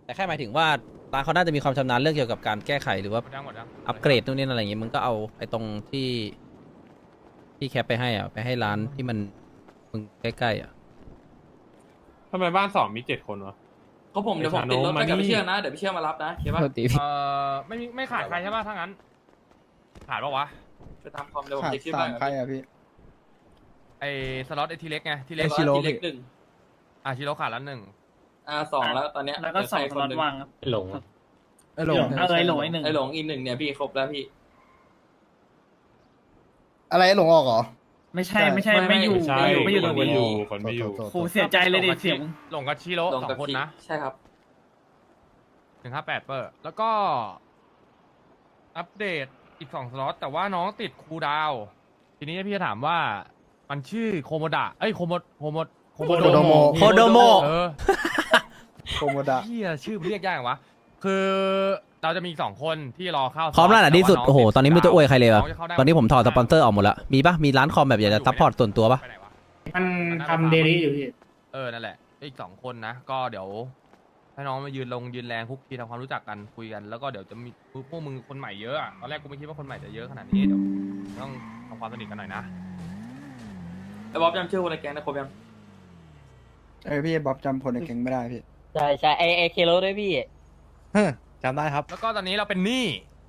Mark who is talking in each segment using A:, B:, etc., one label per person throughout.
A: แต่แค่หมายถึงว่าร้านเขาน่าจะมีความชำนาญเรื่องเกี่ยวกับการแก้ไขหรือว่า
B: หมดยัง
A: อัปเกรดนู่นนี่อะไรอย่างงี้มึงก็เอาไอ้ตรงที่แคปไปให้อ่ะไปให้ร้านที่มันมึงใกล้ๆอ่ะ
C: ทำไมบ้านสองมี7 คนวะ
D: ก็ผมเดี๋ยวผมติดรถไปกับพี่เชื่อนะเดี๋ยวพี่เชื่อมารับนะเข้าปะ
B: ไม่ขาดใครใช่ป่ะถ้างั้นขาดปะวะ
D: ไปตามคอมเดี๋ยวผม
E: ขาด
D: เช็คชื่อ
E: สา
D: บ้าม น
E: ใครอะพี่
B: ไอ้สล็อตไอ้ทีเล็กไงทีเล็ก
D: ชิโร่เล็กหนึ่ง
B: ชิโร่ขาดแล้วหนึ่ง
D: สองแล้วตอนเนี้ย
F: แล้วก็สองสล็อตว่างครับ
C: หลง
E: ไอ้หลง
F: ไอ้หลงไอ้หนึ่ง
D: ไอ้หลงอีกหนึ่งเนี่ยพี่ครบแล้วพี่
E: อะไรไอ้หลงออกเหรอ
F: ไม่ใช่ไม่อยู่
C: ใช่
F: ไม่อยู่
C: ค
F: ตร
C: น
F: ง
C: ไม่
F: นี้
C: อยู่คนไม่อยู่
F: โหเสียใจเลยดิเสียง
B: หลงกับชิโร่
D: หลง
B: สอ
D: กับ
B: งคน
D: พี่
B: นะ
D: ใช่ครับ
B: 158เปอร์แล้วก็อัปเดตอีก2สล็อตแต่ว่าน้องติดคูลดาวน์ทีนี้พี่จะถามว่ามันชื่อโคโมดะโคโมโด
E: โดโม
A: โคโดโม
E: โคโมดะ
B: พี่ชื่อเรียกยากจังวะคือเราจะมี2คนที่รอเข้า
A: พร้อมแล้วนะที่สุดโอ้โหตอนนี้ไม่รู้จะอวยใครเลยว่ะ
B: งจะเข้าได้
A: ตอนนี้ผมถอดสปอนเซอร์ออกหมดละมีปะมีร้านคอมแบบอยากจะซัพพอร์ตส่วนตัวปะ
B: ไปไหนวะ
F: มันทำเดลี่อยู่พี่
B: นั่นแหละอีก2 คนนะก็เดี๋ยวให้น้องมายืนแรงคุกคีทำความรู้จักกันคุยกันแล้วก็เดี๋ยวจะมีพวกมึงคนใหม่เยอะอะตอนแรกกูไม่คิดว่าคนใหม่จะเยอะขนาดนี้เดี๋ยวต้องทำความสนิทกันหน่อยนะ
D: ไอ้บ๊อบจำชื่อคนในแก๊งได้ครบยัง
E: พี่บ๊อบจำคนในแก๊งไม่ได้พี่
G: ใช่ไอเคโลด้วยพี่
E: จำได้ครับ
B: แล้วก็ตอนนี้เราเป็นหนี้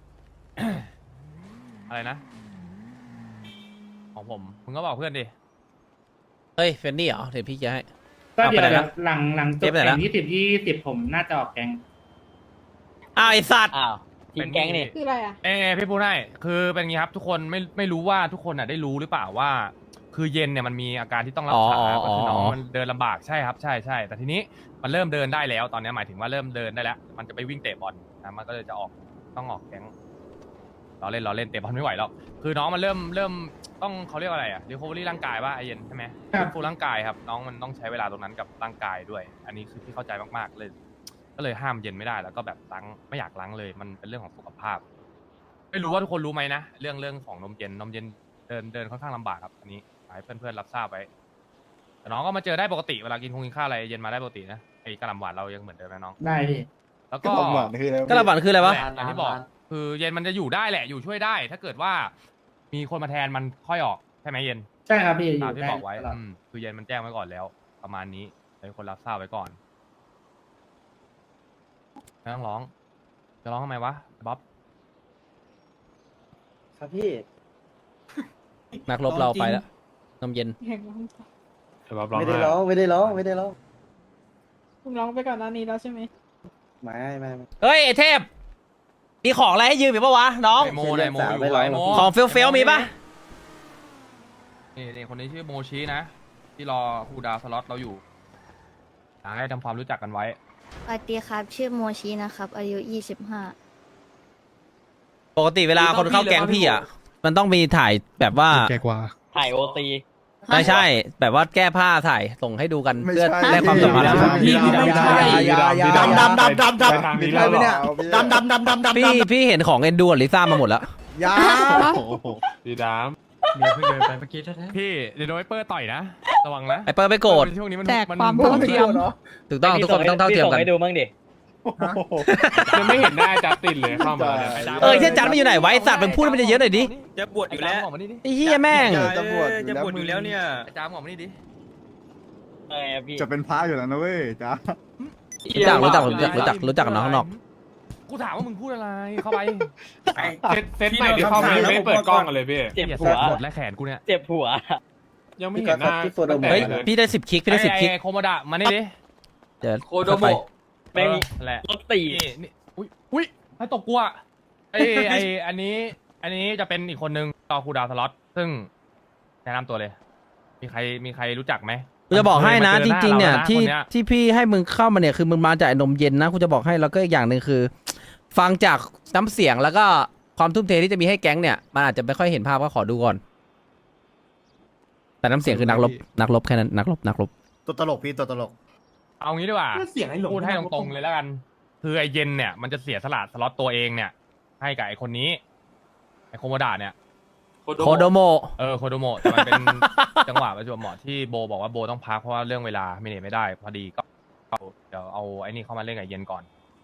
B: อะไรนะ ของผมมึงก็บอกเพื่อนดิ
A: เฮ้ยเฟนนี่เหรอเดี๋ยวพี่จะให้
F: ก็เดี๋ยว
A: เอาไปไหนละ
F: หลังจ
A: เก็
F: บบ
A: ไหนละ
F: แข่ง20ผมน่าจะออกแกง
A: อ้าวไอสัตว์
G: อ้าวทีมแก๊งนี่
H: คืออะไรอ่ะ
B: พี่พูดให้คือเป็นอย่างงี้ครับทุกคนไม่รู้ว่าทุกคนอ่ะได้รู้หรือเปล่าว่า คือเย็นเนี่ยมันมีอาการที่ต้องรักษาก็คือน้องมันเดินลำบากใช่ครับใช่แต่ทีนี้มันเริ่มเดินได้แล้วตอนนี้หมายถึงว่าเริ่มเดินได้แล้วมันจะไปวิ่งเตะบอลนะมันก็เลยจะต้องออกแก๊งเราเล่นเตะบอลไม่ไหวหรอกคือน้องมันเริ่มต้องเขาเรียกว่าอะไรอะรีคอเวอรี่ร่างกายป่ะไอเย็นใช่ไหมฟื้นฟูร่างกายครับน้องมันต้องใช้เวลาตรงนั้นกับร่างกายด้วย อันนี้คือที่เข้าใจมากๆเลยก็เลยห้ามเย็นไม่ได้แล้วก็แบบล้างไม่อยากล้างเลยมันเป็นเรื่องของสุขภาพ ไม่รู้ว่าทุกคนรู้ไหมนะเรื่องของนมเย็นเดินค่อนข้างลำบากครับอันนี้ให้เพื่อนๆรับทราบไว้แต่น้องก็มาเจอได้ปกติเวลากินข้าวอะไรเย็นมาได้ปกตินะไอ้กระหล่ำหวานเรายังเหมือนเดิมนะน้อง
F: ได้พี่
B: แล้ว
E: ก็
B: ก็
E: หวานคืออะไร
A: กระบาดคืออะไรวะ
B: อย่างที่บอกคือเย็นมันจะอยู่ได้แหละอยู่ช่วยได้ ถ้าเกิดว่ามีคนมาแทนมันค่อยออกใช่ไหมเย็น
F: ใช่ครับพี่อ
B: ตาม
F: ยู่
B: ที่
F: ได้
B: บอกไว้
F: ตลอด
B: คือเย็นมันแจ้งไว้ก่อนแล้ว ประมาณนี้ให้คนรับทราบไว้ก่อนไม่ต้องร้องจะร้องทำไมวะบ๊อบ
G: ครับพี่
A: นักรบเราไปแล้วนมเย็น
C: แต่ว่าร้อง
G: ไม่ได้
C: ไห้
G: ร้องไม่ได้ร้องไม่ได้ร้อง
H: คุณร้องไปก่อนหน้านี้แล้วใช่ไหม
G: ไม่
A: เฮ้ยไอเทพมีของอะไรให้ยืมอีกปะวะน้อง
B: ไอโมอยู่ไอโม
A: ของเฟลมีปะ
B: นี่คนนี้ชื่อโมชินะ ที่รอคูลดาวน์สล็อตเราอยู่อยากให้ทำความรู้จักกันไว้
I: สวัสดีครับ ชื่อโมชินะครับ อายุ
A: ปกติเวลาคนเข้าแก๊งพี่อ่ะมันต้องมีถ่ายแบบว่า
E: แกกว่า
G: ถ่ายโอตี
A: ไม่ใช่แบบว่าแก้ผ้าถ่ายส่งให้ดูกัน
E: ไม่
A: เพื่อ
E: ใช่
A: ได้ความสัมพันธ์
E: พี่ไม่ใช่
C: ดำทางนี้แล้วเหรอ
A: พี่เห็นของเอ็นดูกับลิซ่ามาหมดแล้ว
E: ยา
C: ดีดาม
B: พี่เดี๋ยวโดนไวเปอร์ต่อยนะ ระวังนะ
A: ไอเปิร์ไม่โกรธ
B: ช่วงนี้มัน
H: แจกความเท่าเทียม
A: ถูกต้องทุกคนต้องเท่าเทียมกัน
G: พี่ส่งให้ดูบ้างดิ
C: ยังไม่เห็นหน้าจัสตินเลยเข้ามาเนี่ย
A: เช่นจันไม่อยู่ไหนไวะไอ้สัตว์มันพูดมันจะเยอะหน่อยดิ
G: จะบวชอยู่แล้ว
B: ออกมานี่ดิ
A: ไอ้เหี้ยแม่ง
E: จะบวช
G: จะบวชอยู่แล้วเนี่ย
B: ไอ้จามออกมานี่ดิ
G: ไงอะพี่
E: จะเป็นพระอยู่แล้วนะเว้ยจ้า
A: รู้จักกับน้องข้างนอก
B: กูถามว่ามึงพูดอะไรเข้าไป
C: เซตใหม่ที่เข้ามาไม่เปิดกล้องกันเลยพี่
G: เจ็บ
B: เหี้ย
G: หัว
B: หมดและแขนกูเนี่ย
G: เจ็บหัว
C: ยังไม่เห็นหน้า
A: เฮ้ยพี่ได้10 คลิกพี่ได้10 คลิก
B: ไอ้โคโมดะมานี่ดิ
A: เดี๋ยว
D: โคโดโมะ
G: แม่ง
B: แหละ
G: รถตี
B: นี่อุ้ยให้ตบกูอ่ะอันนี้จะเป็นอีกคนนึงต่อคูลดาวน์สล็อตซึ่งแนะนำตัวเลย มีใครรู้จักไหม
A: กูจะบอกให้นะ
B: มั
A: จ
B: ค
A: ริงๆเนี่ย
B: มาจอหา
A: ที่
B: คนนี้
A: ที่พี่ให้มึงเข้ามาเนี่ยคือมึงมาจากไอ้นมเย็นนะกูจะบอกให้แล้วก็อีกอย่างหนึ่งคือ ฟังจากน้ำเสียงแล้วก็ความทุ่มเทที่จะมีให้แก๊งเนี่ยมันอาจจะไม่ค่อยเห็นภาพก็ขอดูก่อน แต่น้ำเสียงคือนักรบแค่นั้นนักรบ
E: ตัวตลกพี่ตัวตลก
B: เอางี้ดีกว่า
D: เสียงไอ้หลง
B: พูดให้ตรงๆเลยแล้วกัน คือไอเย็นเนี่ยมันจะเสียสละสล็อตตัวเองเนี่ย ให้กับไอคนนี้ไอโคโมดะเนี่ย
A: โคโดโม
B: โคโดโมะแต่มันเป็น จังหวะประจวบเหมาะที่โบบอกว่าโบต้องพักเพราะว่าเรื่องเวลาไม่ได้พอดีก็เดี๋ยวเอาไอ้นี่เข้ามาเล่นกับเย็นก่อน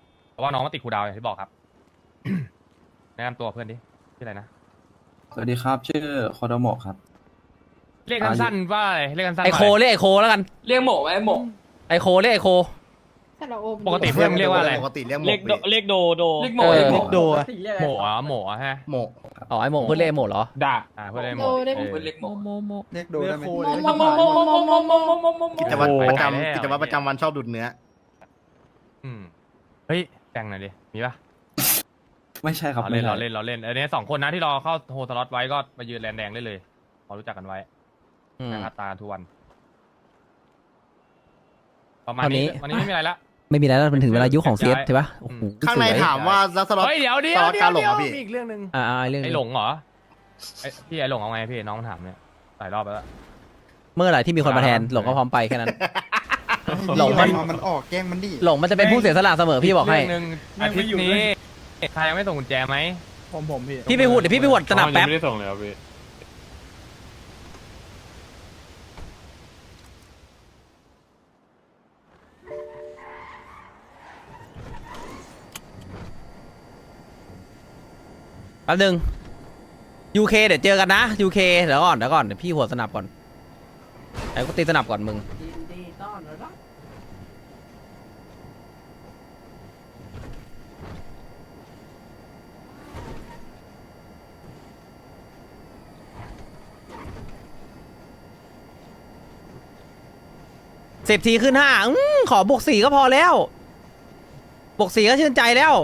B: ว่าน้องมาติดครูดาวอย่างที่บอกครับ แนะนำตัวเพื่อนดิชื่ออะไรนะ
J: สวัสดีครับ ชื่อโคโดโมะครับ
B: เรียกสั้นๆว่าอะไรเรียกสั้นๆ
A: ไอโค
B: ว่าะร
A: เรียกไอโคแล้วกัน
D: เรียกหมกไว้หมก
A: ไอโคเรียกไอโค
H: แต่เราโอม
B: ปกติเพื่อนมึงเรียกว่าอะไร
K: ปกติเรียกหม
G: เรีย
K: ก
G: กโดเรียกโดโด
D: เรียกหมก
A: เออ
D: เรียกหมก
E: โด
B: โหมอ่ะโหมอ่ะฮะ
K: หมก
A: อ๋อไอโมเพื่อนเรียกไอโมเหรอ
C: ด่า
B: เพื่อนเรียกโหม
H: โดได้
B: เออ
D: เรียกหมก
E: เรียกโดได้ไหม
K: กิจวัตรประจำ
B: ไปแล้ว
K: กิจวัตรประจำวันชอบดูดเนื้อ
B: อืมเฮ้ยแบ่งหน่อยดิมีปะ
J: ไม่ใช่ครับ
B: เราเล่น
J: ไม่
B: เรา
J: ใช่
B: เล่นเราเล่นอันนี้2 คนนะที่รอเข้าโฮสล็อตไว้ก็มายืนแลนแดงได้เลยพอรู้จักกันไว้
A: อืม
B: นะครับตาทุกวัน ประมาณ
A: เท่านี้
B: นี้วันนี้ไม่มีอะไรละ
A: ไม่มีอะไรแล้วมันถึงเวลายุคของเซียสใช่ปะโอ้โห
K: ข้างใน
A: สวย
K: ถามว่าแล้วสล็อต
B: เฮ้ยเดี๋ยว
K: สล็อตการหลง
B: เดี๋ยว
K: อ่ะพี่
B: มีอีกเรื่องหนึ่ง
A: เรื่อง
B: ไอ้
A: นี้
B: หลงเหรอพี่ไอ้หลงเอาไงพี่น้องถามเนี่ยหลายรอบแล้ว
A: เมื่อไหร่ที่มีคนมาแทนหลงก็พร้อมไปแค่นั้น หลงมัน
E: มันออกแกล้งมันดิ
A: หลงมันจะเป็นผู้เสียสละเสมอพี่บอกให้
B: เรื่องหนึ่งอาทิตย์นี้ใครยังไม่ส่งกุญแจไหม
C: ผมพี่
A: พี่ไปหูดเดี๋ยวพี่ไปหวดสนับแป๊บ
C: ไม่ได้ส่งเลยครับพี่
A: แป๊บนึง UK เดี๋ยวเจอกันนะ UK เดี๋ยวก่อนเดี๋ยวพี่หัวสนับก่อนไอ้กูตีสนับก่อนมึง10 ทีขึ้น 5ขอบวก 4ก็พอแล้วบวก 4ก็ชื่นใจแล้ว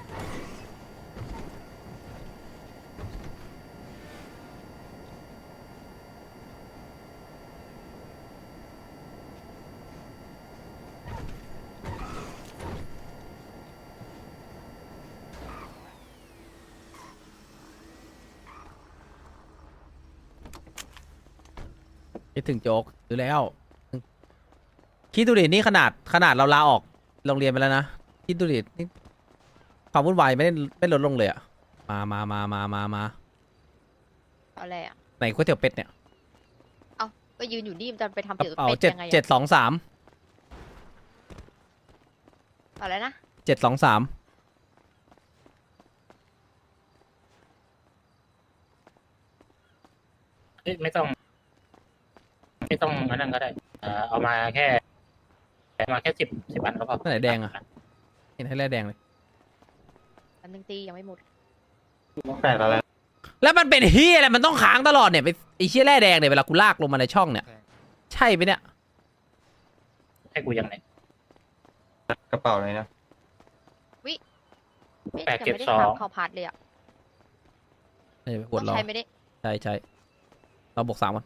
A: คิดถึงโจ๊กอยู่แล้วคิดดูดินี่ขนาดเราลาออกโรงเรียนไปแล้วนะคิดดูดินี่ความวุ่นวายไม่ลดลงเลยอะมา
I: อะไรอ่ะ
A: ไหนก๋วยเตี๋ยวเป็ดเนี่ย
I: เอาก็ยืนอยู่นี่มันจะไปทำเตี๋ยว
A: เอา
I: เป็ด
A: เจ็ด
I: ยังไง
A: เจ็ดสองสาม
I: อะไรนะ
A: 723
F: ไม่ต้องอันนั้นก็ได้เอามาแค่10 อันก็พอ
A: ไหนแดงอะเห็นให้แร่แดงเลย
I: อันนึงตียังไม่หมด
C: แปลกอะไร
A: แล้วมันเป็นเฮียอะไรมันต้องค้างตลอดเนี่ยไปไอ้เชี่ยแร่แดงเนี่ยเวลากูลากลงมาในช่องเนี่ยใช่ไหมเนี่ย
F: ให้กูยังไง
C: กระเป๋าอะไรนะ
I: ไม่
F: แปด
I: ยัง
F: เจ็ด
I: ไม่ได้
F: สอง
I: ทำเข้าพาร์ทเลยอ่ะ
A: ไม่ได้ไปกด
I: ต้อง
A: รอ
I: ใช้ไม่ได้
A: ใช่เราบวก 3 ก่อน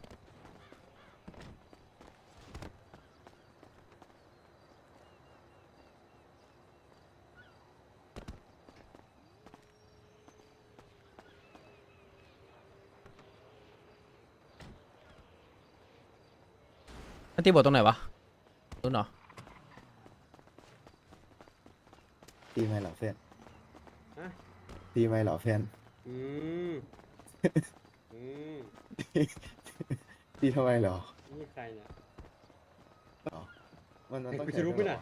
A: อันที่บทตรงไหนวะรู้เนาะ
K: ตีไม่เหรอเพื่อนตีไม่เหรอเพื่อนตีทำไมเหรอ
G: นี่ใครเนี่ย
K: มันต้อง
G: กูจะรู้ไหมน่ะ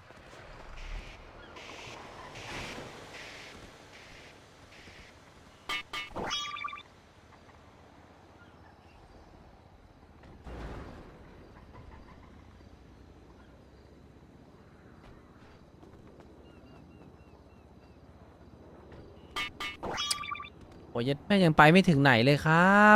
A: โอ้ยแม่งยังไปไม่ถึงไหนเลยครับ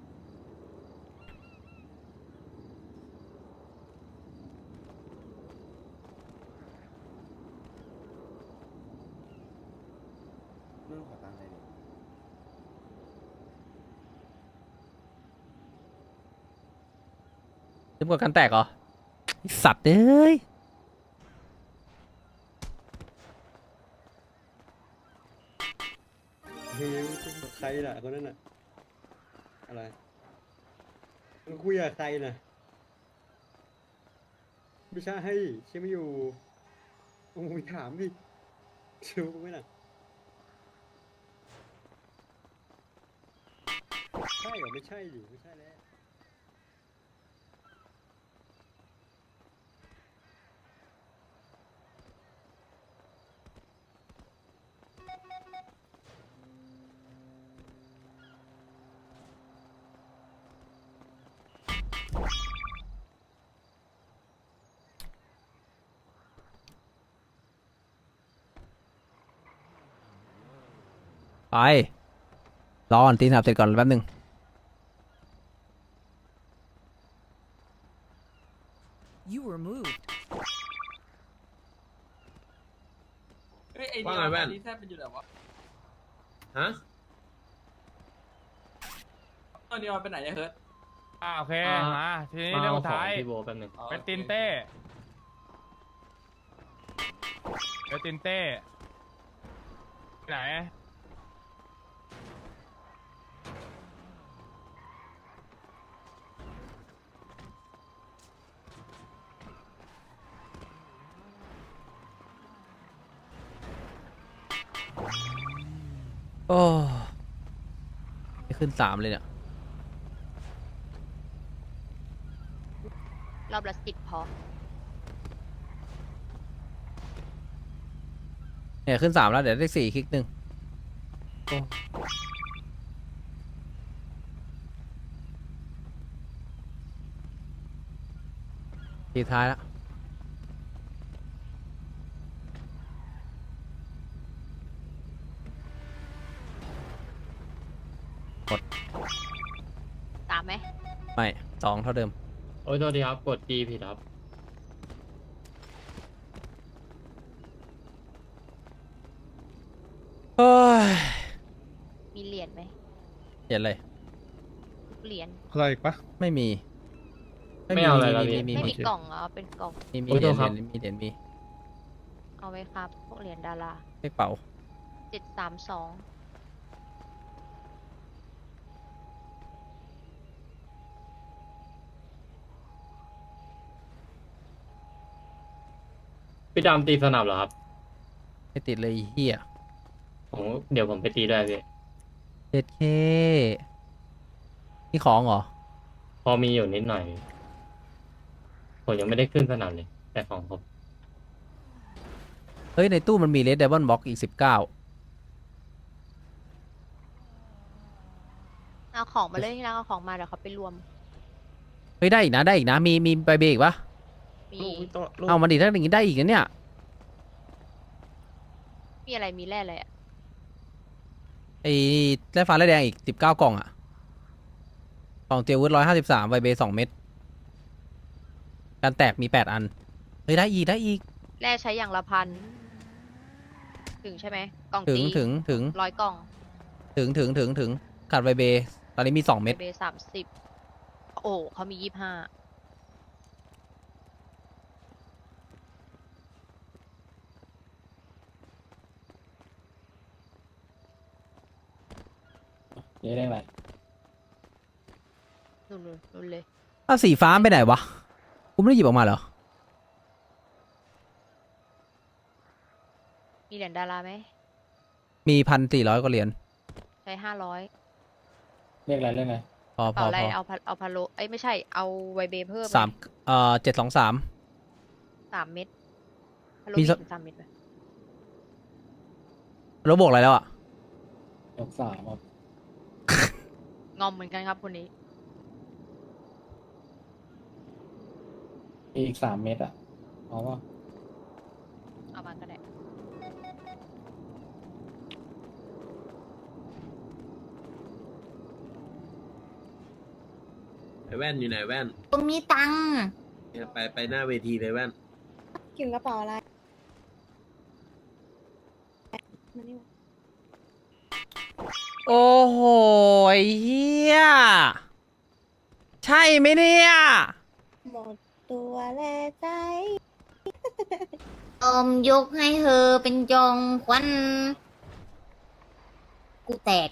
K: เรื่องขอตังค์หน่อยดิ
A: ลืมกดกันแตกเหรอไอ้สัตว์เอ้ย
G: เฮ้ยใครน่ะคนนั้นน่ะ อะไรมึงคุยกับใครน่ะไม่ใช่ใช่ไม่อยู่โอ้ยถามดิรู้ไหมน่ะใช่เหรอไม่ใช่ดิไม่ใช่แล้ว
A: ไปรอก่อนตีสนับเสร็จก่อนแป๊บนึง
H: You were moved
D: เฮ้ยไอ้
C: ว่าไงแว่น
D: นี่แทบเป็นอยู่ไหนวะ
C: ฮะ
D: ตอนนี้มันไปไหนเนี่ยเฮิร์ต
B: โอเคมาทีนี้เรื่องสุดท้าย
F: พี่โบแป๊บนึง
B: เป็นตินเต้เป็นตินเต้ไหน
A: โอ้ไม่ขึ้นสามเลยเนี่ย
I: รอบละ10พอ
A: เนี่ยขึ้นสามแล้วเดี๋ยวได้4คลิกหนึ่งทีท้ายแล้ว
I: ตามไหม
A: ไม่2เท่าเดิม
F: โอ้ยโทษทีครับ กดจีผิดครับ
A: เฮ้ย
I: มีเหรียญไหม
A: เห็นเลย
I: เหรียญ
C: อะไรอีกปะ
A: ไม่มี
F: ไม่เอาอะไรแล้วพี่
I: ไม่มีกล่องเหรอเป็นกล่อง
A: มี
F: โอ้ย
A: เหรียญ
F: โทษครับ
A: มีเหรียญมี
I: เอาไว้ครับ พวกเหรียญดารา
A: เลขเป๋า
I: 732
F: พี่ดำตีสนับเหรอครับ
A: ไม่ติดเลยไอ้เฮีย
F: เดี๋ยวผมไปตีด้วยพี่
A: 7K นี่ของเหรอ
F: พอมีอยู่นิดหน่อย ผมยังไม่ได้ขึ้นสนับเลย แต่ของผม
A: เฮ้ย ในตู้มันมีเลดเดบอนบ็อกอีก19
I: เอาของมาเลยที่ร้านเอาของมาเดี๋ยวเขาไปรวม
A: เฮ้ย ได้อีกนะ ได้อีกนะ มีใบเบรกปะ
I: มี
A: เอามาดิถ้าอย่างงี้ได้อีกนะเนี่ย
I: มีอะไรมีแร่อะไรอ่ะ
A: ไอ้แร่ฟ้าแร่แดงอีก19 กล่องอะกล่องเตียววุฒ153ใบเบ2 เม็ดการแตกมี8 อัน เฮ้ย ได้อีก ได้อีก
I: แร่ใช้อย่างละพัน ถึงใช่ไหมกล่อง
A: ถึง
I: ตี
A: ถึง
I: 100 กล่อง
A: ถึงขาดใบเบตอนนี้มี2 เม็ด
I: เบ30 โอ้เขามี 25
F: นี่ได้ไหม
I: นู่นเลย
A: อ้าวสีฟ้าไปไหนวะกูไม่ได้หยิบออกมาเหรอ
I: มีเหรียญดาราไหม
A: มี1,400 กว่าเหรียญ
I: ใช้500
F: เรียกอะไรเรียกอะไร
A: พอ
I: เปล่าอะไรเอาพาโลเอ้ยไม่ใช่เอาไวเบเพิ่มไห
A: 723
I: 3 เม็ดพาโล
A: มี
I: มี
A: สัก
I: ถึง3 เม็ดไหม
A: แล้วบวกอะไรแล้วอ่ะ
F: ยก3ครับ
I: งอมเหมือนกันครับคนนี้
F: อีก3 เม็ดอ่ะเอาว่า
I: เอามาก็ได้
C: ไอแว่นอยู่ไหนแว่น
I: ผมมีตังค์
C: ไปหน้าเวทีเลยแว่น
H: กินกระเป๋าอะไร
A: โอ้โหไอ้เฮียใช่ไหมเนี่ย
H: หมดตัวแลใจ
I: ยกให้เธอเป็นจองควันกูแตก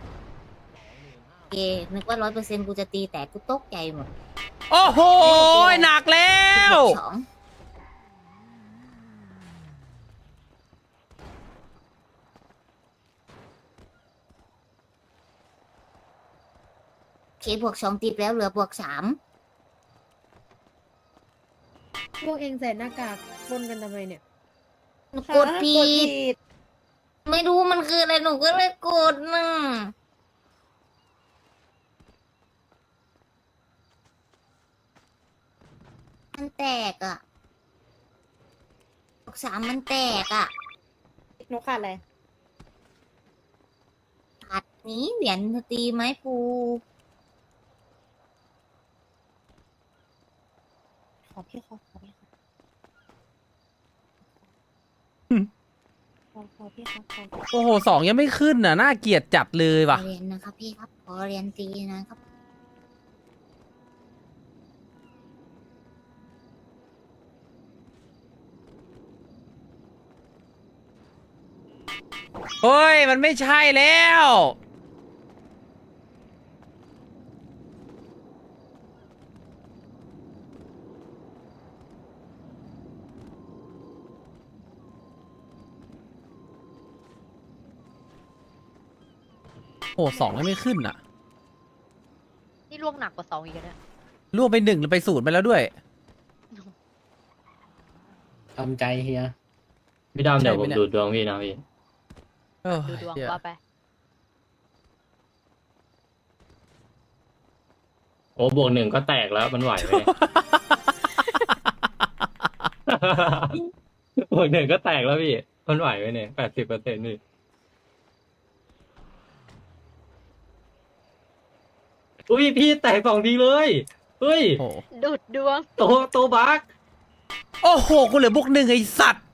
I: นึกว่า100%กูจะตีแตกกูตกใจหมด
A: โอ้โหหนักแล้ว
I: สองเคบวก2ติดแล้วเหลือบวก3
H: พวกเองใส่หน้ากากปนกันทำไมเนี่ย
I: หนูกดผิด ไม่รู้มันคืออะไรหนูก็เลยกดน่ะมันแตกอ่ะบวก3มันแตกอ่ะ
H: หนูขาดอะไร
I: นี่เหรียญตีไม้ปู
H: ขอพี่ขอพี่ขอพี่ขอ
A: โอ้โหสองยังไม่ขึ้นน่ะน่าเกลียดจัดเลย
I: ขอ
A: ว่ะ
I: เหรียญนะครับพี่ครับขอเหรียญตีนะครับ
A: เฮ้ยมันไม่ใช่แล้วโอ้สองยังไม่ขึ้นอ่ะ
H: นี่ล่วงหนักกว่า2อีกแล้วเนี่ย
A: ล่วงไป1แล้วไป0ไปแล้วด้วย
G: ทำใจเฮีย
F: พี่ดำเดี๋ยว
A: ใช่
F: ผ
A: ไหม
F: ม
A: เนี่ย
F: ดูดวงพี่นะพี่
A: เออ
H: ดูดวง
A: เหี้ย
H: ว่าไป
F: โอ้บวก1ก็แตกแล้วมันไหวไหมเนี่ย บวก1ก็แตกแล้วพี่มันไหวไหมเนี่ย80%นี่อุ้ยพี่แตก2 ทีเลยเฮ้ย
A: โอ้โห
H: ดูดดวง
F: โตบัก
A: โอ้โหกูเหลือบวก1ไอ้สัตว์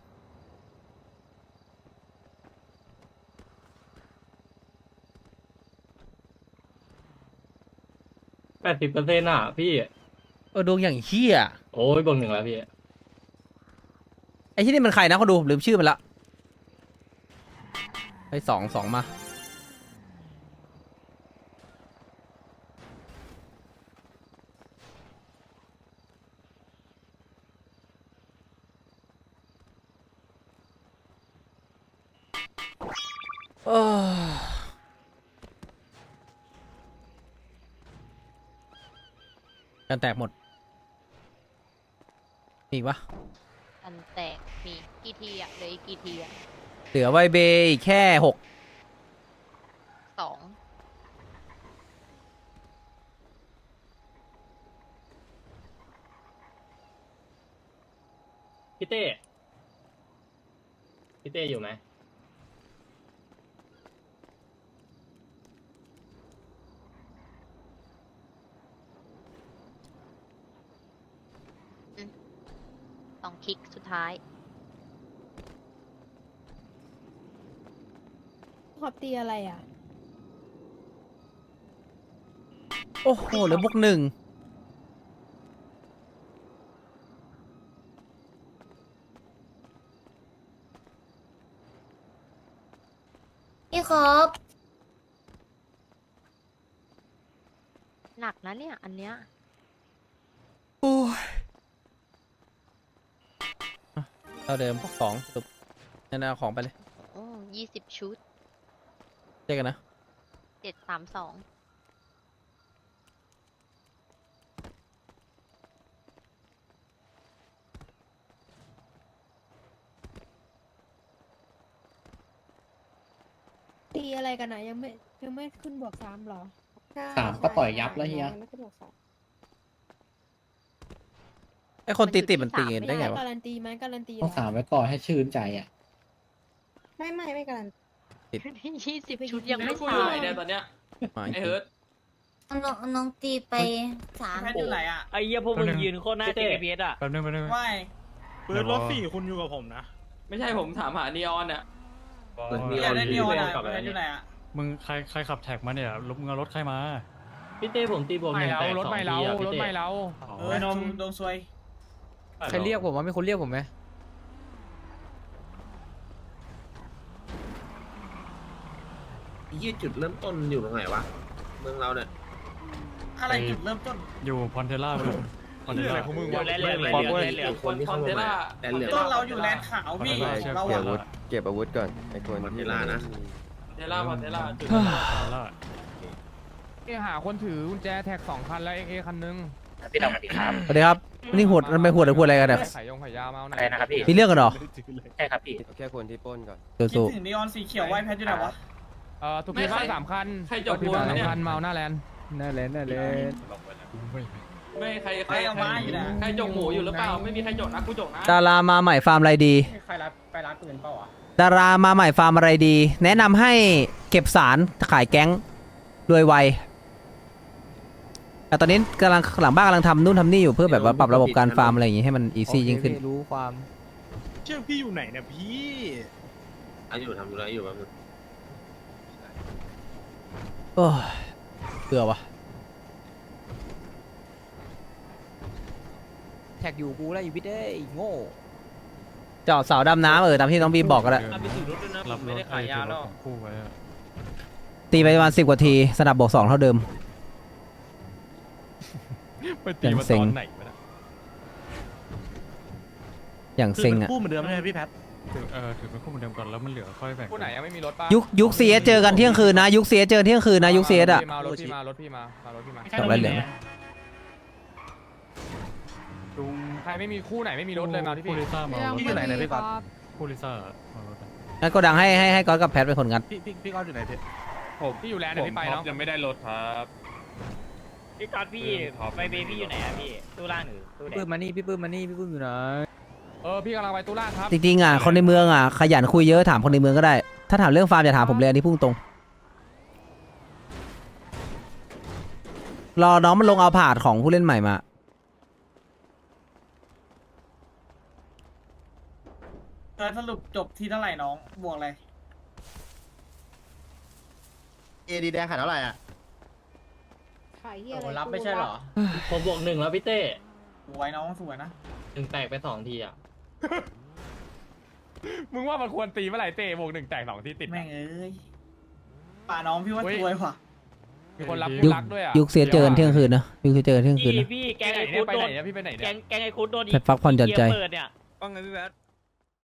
F: 80%อ่ะพี่
A: ดวงอย่างเฮี้ย
F: โอ้ยบวก1แล้วพี่
A: ไอ้ที่นี่มันใครนะเขาดูผมลืมชื่อมันละไอ้สองมาเออกันแตกหมดมีอีกปะ
H: อันแตกมีกี่ทีอ่ะเหลืออีกกี่ทีอ่ะ
A: เหลือไวเบย์อีกแค่6
H: 2
F: พี่เต้อยู่ไหม
H: 2คลิกสุดท้ายขอบตีอะไรอ่ะ
A: โอ้โหเหลือบวก1
I: พี่ครับ
H: หนักนะเนี่ย อันเนี้ย
A: โอ้ยเท่าเดิม2สุดนั่นเอาของไปเลย
H: โอ้20 ชุด
A: เจอกันนะ
H: 732ตีอะไรกันนะยังไม่ขึ้นบวก3หรอ
G: 3ก็ต่อยยับแล้วเฮีย
A: ไอคนตีติดมันตีได้ไงวะ
H: การันตีไหมการันตี
G: ต้อง3ไว้ก่อนให้ชื่นใจอ่ะ
H: ไม่การัน
A: ติด
H: 20 ชุดยังไม่
D: กู
H: ตา
D: อยู่ไหน
H: ย
D: เนี่ยตอนเนี้ย
A: มา
D: ไอ้เฮิร์ต
I: น้องตีไป3
D: แพทอยู่ไหนอ่ะ
C: ไอ้เหี้ยพวกมึงยืนโคตรหน้า GPS อ่ะ
B: แป๊บนึง
D: ไม่
C: ปืนรถ4คุณอยู่กับผมนะ
D: ไม่ใช่ผมถามหานีออนอ่ะ
F: อยากได้นีออนอะ
D: แพทอยู่ไหนอ่ะ
C: มึงใครขับแท็กมาเนี่ยมึงเอารถใครมา
F: พี่เต้ผมตีบวก1
B: ไม่
F: แต
B: เรา
F: ก
B: รถ
F: 2
B: ไม่เรา
F: ทีอ่ะ
B: ร
F: พี่
B: ถ
F: เต้
B: ไม่เรา
D: นมโดนซวย
A: ใครเรียกผมวะมีคนเรียกผมไหม
E: ยี่จุดเริ่มต้นอยู่ตรงไหนวะเมืองเราเนี่ย
D: อะไรจุดเริ่มต้น
C: อยู่พอนเทล่าพอนเทล่า
B: ของมึง
C: วะ
D: คนที่เข้ามาแต่เหลือต้นเราอยู่แลนด์ขาวพี่เรา
C: เก็บ
D: อะ
K: เก็บอาวุธก่อนไอ้คน
E: เวลานะ
D: เทล่าพันเทล่าจุด
B: หาคนถือกุญแจแท็ก2 คันแล้วเอคันนึง
A: สวัสดีครับนี่หัวมันไปหัวหรือหัวอะไรกันเนี่ย
B: ขายขายยามาเอาหน่อย
F: อะไรนะครับพี่
A: มีเรื่องกันเหรอ
F: ใช่ครับพี่
K: แค่คนที่ปล้นก่อน
D: คิด
A: สู้
D: ถึงนีออนสีเขียวไว้แพทอยู่ไหนวะ
B: ถูกพิบ้าน3 คัน
D: ใครจบ
B: ถูกพิบ้าน
D: วงเนี่ย
B: 3 คันเมาหน้าแลนด์
A: น่าเล่น
D: ไม่ใครเอามาอยู่นะใครจกหมูอยู่หรือเปล่าไม่มีใครจกนะกูจกนะ
A: ดารามาใหม่ฟาร์มอะไรดี
D: ใครรับไปร้านปืนเปล่าอ่ะ
A: ดารามาใหม่ฟาร์มอะไรดี แนะนำให้เก็บสารขายแก๊งรวยไวแต่ตอนนี้กำลังหลังบ้านกำลังทำนู่นทำนี่อยู่เพื่อแบบว่าปรับระบบการฟาร์มอะไรอย่างงี้ให้มันอีซี่ยิ่งขึ้น
D: รู้ความ
C: เชื่อพี่อยู่ไหนเนี่ยพี่
E: อยู่ทำอะไรอยู่บ้าง
A: โอ้ยเบื่อวะ
D: แท็กอยู่กูแล้วอยู่พี่เด้โง่
A: เจาะเสาดำน้ำตามที่น้องบีมบอกก็ได้
D: ไปถือรถด้วยนะไม่ได้ขายยาแล้ว
A: ตีไปประมาณ10 กว่าทีสนับบวก2เท่าเดิม
B: ไปตีมาตอนไหนวะเนี่ย
A: อย่างเซ็งอ่ะ
C: คู่เหมือนเดิมใช่ไหมพี่แพท
J: ถือเป็นคู่เหมือนเดิมก่อนแล้วมันเหลือค่อยแบ่ง
B: ผู้ไหนยังไม่มีรถป่ะ
A: ยุคเสียเจอกันเที่ยงคืนนะยุคเสียเจอเที่ยงคืนนะยุคเสียอ่ะ
B: มารถพี่มารถพี่มารถพี่มา
A: จบแล้วเหลือ
B: ใครไม่มีคู่ไหนไม่มีรถเลยมาที่พี่
C: พี่อยู่ไหนเนี่ยพี่ก๊อต
J: คู่ลิซ่า
A: งั้นก็ดังให้ก๊อตกับแพทเป็นคนงัด
C: พี่ก๊อตอยู่ไหนพี่
B: พี่อยู่แลนด์เดี๋ยวพี่ไปเนาะ
C: ยังไม่ได้รถครับ
D: พี่ก๊อตพี่ไปเบบี้อยู่ไหนอะพี่ตู้ล่างหรือตู้แดงปื้มมานี่พี่ปื้มอยู่ไหน
B: พี่กำลังไปตู้ล่างครับ
A: จริงๆอ่ะคนในเมืองอ่ะขยันคุยเยอะถามคนในเมืองก็ได้ ถ้าถามเรื่องฟาร์มอย่าถามผมเลยอันนี้พุ่งตรงรอน้องมันลงเอาผาดของผู้เล่นใหม่มา
D: สรุปจบที่เท่าไหร่น้องบวกอะไร
K: เอดีแดงขายเท่าไหร่อ่ะ
H: ขายเฮียอะไร
D: รับไม่ใช่เหรอ
F: ผมบวก1แล้วพี่เต้
D: สวยน้องสวยนะ
F: 1แตกไป2ทีอ่ะ
B: มึงว่ามันควรตีเมื่อไหร่เตะวง1 แตก 2 ที่ติด
D: แม่งเอ้ยป่าน้องพี่ว่าสวยว่ะ
B: มีคนรับ
A: ยุค
B: รักด้วยอ่ะ
A: ยุคเสียเจอเที่ยงคืนนะยุคเสียเจอเที่ยงคืนนะ
D: พี่แกง
B: ไป
D: ไอ้
B: ไหน
D: คุด
B: เนี่ย
D: โดน
B: พี่ไปไหนเนี่ย
D: แกงไอ้คุดโดน
A: แพทฟักผ่อนหย่อนใจ
D: เปิดเนี่ย
C: ว่าไงพี่แพท